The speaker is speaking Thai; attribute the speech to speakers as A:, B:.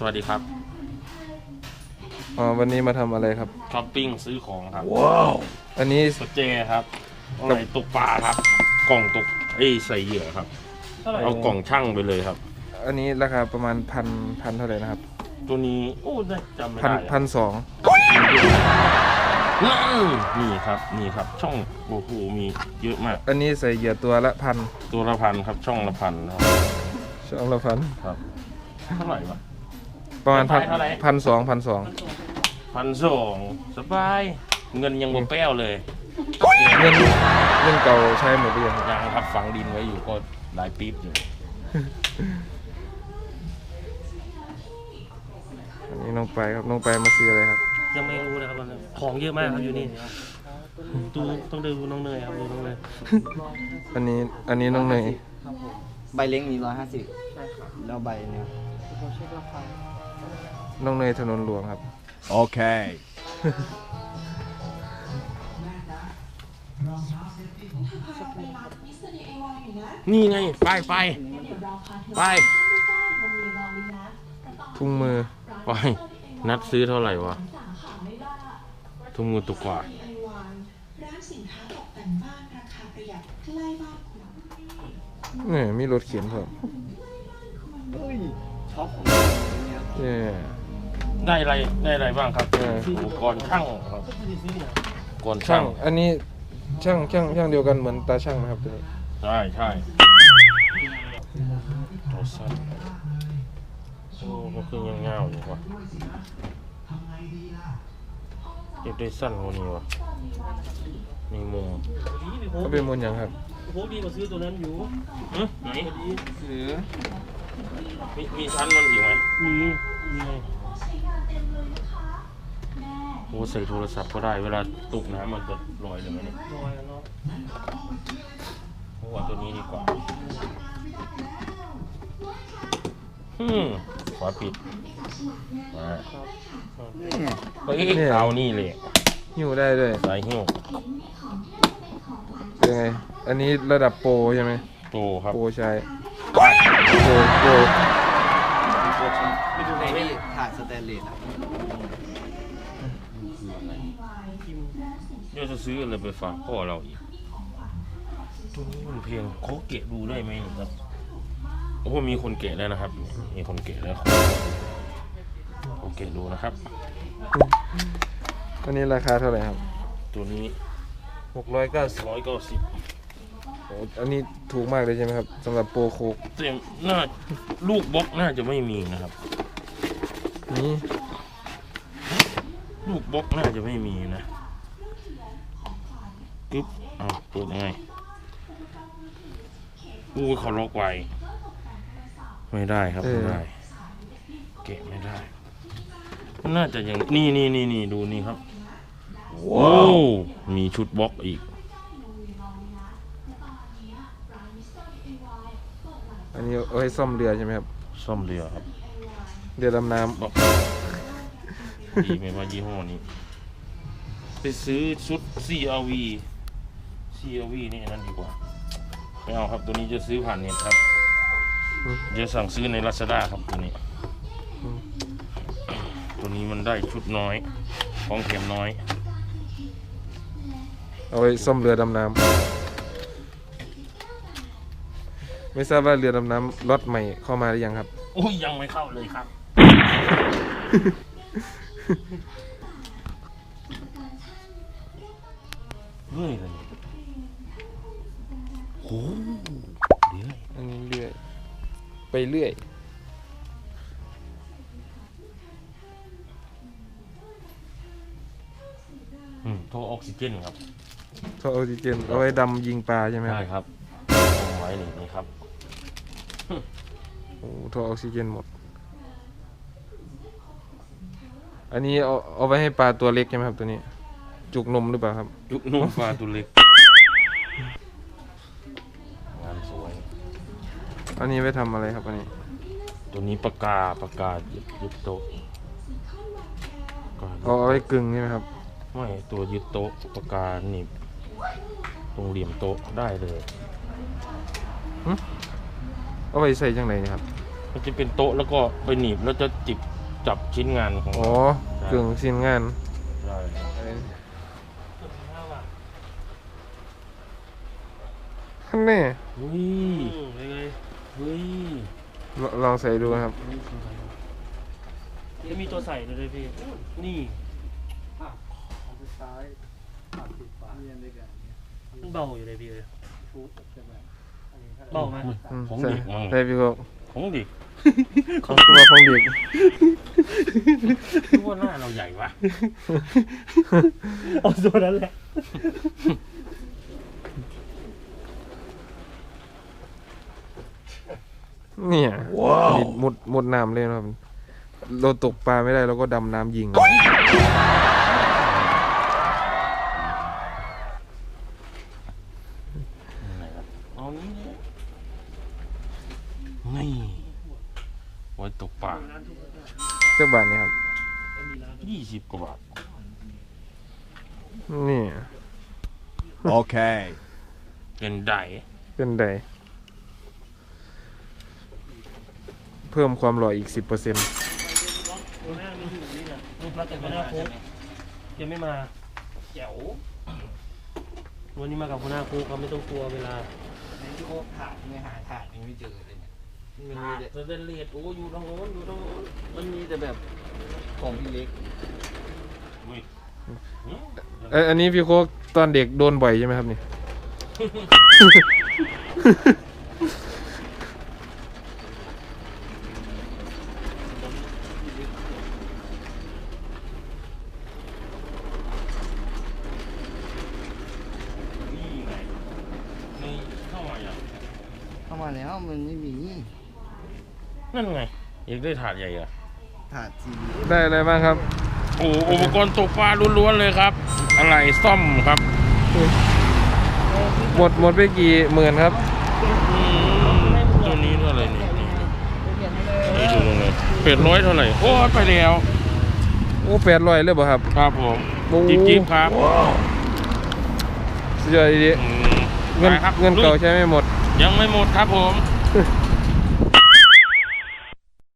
A: วัสดีครับ
B: วันนี้มาทำอะไรครับ
A: ช้อปปิ้งซื้อของครับ
B: ว้าวอันนี้
A: สเจครับอะไรตกปลาครับกล่องตกใส่เหยื่อครับเอากล่องช่างไปเลยครับ
B: อันนี้ราคาประมาณพันเท่าไหร่นะครับ
A: ตัวนี้โอ้จำไม่ได้
B: 1,200
A: นี่ครับช่องโอ้โหมีเยอะมาก
B: อันนี้ใส่เหยื่อตัวละพัน
A: ครับช่องละพัน
B: ครับ
A: เท่าไหร่วะ
B: ประมาณ1,200
A: สบายเงินยังบ่แป้วเลย
B: เงินเก่าใช้หมดหรือยัง
A: ยังครับฝังดินไว้อยู่ก็หลายปี๊บอยู่
B: อันนี้น้องไปครับน้องไปมาซื้ออะไรครับ
C: ยังไม่รู้นะครับของเยอะมากครับอยู่นี่ดูต้องดูน้องเนยครับดูน้องเนย
B: อันนี้น้องเนย
D: ใบเล้งมี150แล้วใบเนี่ย
B: น้องเนยถนนหลวงครับ
E: โอเค
A: นี่ไงไป
B: ถุงมือ
A: ไปนัดซื้อเท่าไหร่วะถุงมือตุกกว่า
B: เนี่ยมีรถเขียนเพิ่ม
D: ช็อป
B: เนี่ย
A: ได้อะไรบ้างครับอุปกรณ์ช่างครับอุปกรณ์ช่าง
B: อันนี้ช่างเดียวกันเหมือนตาช่างนะครับตัวนี้
A: ใช่ตัวสั้นโอ้มันคือยังเงาอยู่วะเก็บได้สั้นกว่านี้วะมีมุม
B: ก็เป็นมุมอย่างครับ
C: โอ้ดีกว่าซื้อตัวนั้นอยู่
A: ไหน
D: หรือ
A: มีชั้นมันอีกไหม
C: มี
A: โอ้ใส่โทรศัพท์ก็ได้เวลาตกน้ำมันจะลอยเลยไหมเนี่ย
C: ลอยแล้วเนาะ
A: เพราะว่าตัวนี้ดีกว่าขวาปิดมาเอานี่เลย
B: หิ้วได้ด้วย
A: สายหิ้ว
B: เป็นไงอันนี้ระดับโปรใช่ไหม
A: โปรครับ
B: โปรใช้
D: ไปดูในนี่ถาดสแตนเลส
A: เดี๋ยวจะซื้ออะไรไปฝากพ่อเราอีกตัวนี้มันเพียงเขาเกะดูได้ไหมครับโอ้มีคนเกะแล้วนะครับมีคนเกะแล้วโอเคดูนะครับ
B: อันนี้ราคาเท่าไหร่ครับ
A: ตัวนี้
B: 190โอ้อันนี้ถูกมากเลยใช่ไหมครับสำหรับโปรโคก
A: เต็มน่าลูกบล็อกน่าจะไม่มีนะครับ
B: นี่
A: ลูกบล็อกน่าจะไม่มีนะกึ๊บเอาเปิดยังไงเขาล็อกไว้ไม่ได้ครับไม่ได้เกะไม่ได้มันน่าจะอย่างนี่ดูนี่ครับว้าวมีชุดบล็อกอีก
B: อันนี้เอาให้ซ่อมเรือใช่ไหมครับ
A: ซ่อมเรือครับ
B: เรือดำน้ำ
A: ดีไม่ว่ายี่ห้อนี้ไปซื้อชุด CRV นี่นั่นดีกว่าไม่เอาครับตัวนี้จะซื้อผ่านเน็ตครับจะสั่งซื้อใน Lazada ครับตัวนี้มันได้ชุดน้อยของแถมน้อย
B: เอาไว้ซ่อมเรือดำน้ำไม่ทราบว่าเรือดำน้ำล็อตใหม่เข้ามาหรือยังครับ
A: โอ้ยยังไม่เข้าเลยครับเรื่อยเลยโอ้เรื่อย
B: อันนี้เรื่อยไปเรื่อย
A: ท่อออกซิเจนครับ
B: ท่อออกซิเจนเอาไว้ดำยิงปลาใช่ไหม
A: ใช่ครับเอาไว้นี่ครับ
B: โอ้ท่อออกซิเจนหมดอันนี้เอาไว้ให้ปลาตัวเล็กใช่ไหมครับตัวนี้จุกนมหรือเปล่าครับ
A: จุกนมปลาตัวเล็กงานสวย
B: อันนี้ไว้ทำอะไรครับอันนี้
A: ตัวนี้ปากกายึดโต๊ะ
B: เอาไว้กึ่งใช่ไหมครับ
A: ไม่ตัวยึดโต๊ะปากกาหนีบตรงเหลี่ยมโต๊ะได้เลย
B: เอาไว้ใส่จังไหนครับ
A: มันจะเป็นโต๊ะแล้วก็ไปหนีบแล้วจะจิบจับชิ้นงานของ
B: อ๋อ
A: เรา
B: กึ่งชิ้นงาน
A: ใช่ครับ
B: ขั้นแน่
A: เฮ้ย
C: เป็นไง
A: เฮ้ย
B: ลองใส่ดูครับ
C: จะมีตัวใส่ด้วยพี่นี่มันเบาอยู่เลยพี่เลยเบาไหม
A: ของ
B: ใส่
A: เด็กมั้ง
B: ใส่พี่โก
A: ของเด็ก
B: ของตัวของเด็ก
A: คิดว่าหน้าเราใหญ่วะ
C: เอาตัวนั้นแหละ
B: เนี่ยนี่มุดน้ำเลยนะครับ เราตกปลาไม่ได้เราก็ดำน้ำยิง
A: ไหนครับเอานี้เลยนี่ไว้ตกปลา
B: เจ้าบาทเนี่ยครับ
A: 20 กว่าบาท
B: นี่
E: Okay.
A: เป็นได
B: เป็นไดเพิ่มความหล่ออีก 10%
C: ตัวแรกไม่อยู่นี่แหละมาแต่หัวหน้าโค้กยังไม่มาแจ๋ววันนี้มากับหัวหน้าโค้กเขาไม่ต้องกลัวเวลา
D: ในที่โคกถาดไม่หาถาดยังไม่เจอเลยเนี่ยมันมีแต่
C: จะเป็นเลดโอ้อยู่ตรงโน้นอยู่ตรงโน้น
D: มันมีแต่แบบของพี่เล็ก
A: อุ้ย
B: อันนี้พี่โคกตอนเด็กโดนบ่อยใช่ไหมครับนี่
A: นี่ไงนี่เข้ามาอย่าง
D: เข้ามาแล้วมันไม่มี
A: นั่นไงอยากได้ถาดใหญ่อะ
D: ถาดที
B: ได้อะไรบ้างครับ
A: โอ้อุปกรณ์ตกปลาล้วนๆเลยครับ อะไรซ่อมครับ
B: หมดไปกี่หมื่นครับ
A: ตัวนี้เท่าไหร่นี่นี่ดูตรงนี้800เท่าไหร่โอ้ยไปแล้ว
B: โอ้800เลยบ่ครับ
A: ครับผม
B: โอ้
A: จิ๊บครับ
B: สุดยอดดี
A: อืม
B: เงิน
A: ไปครับ
B: เงินเก่า
A: ลุย
B: ใช้ไม่หมด
A: ยังไม่หมดครับผม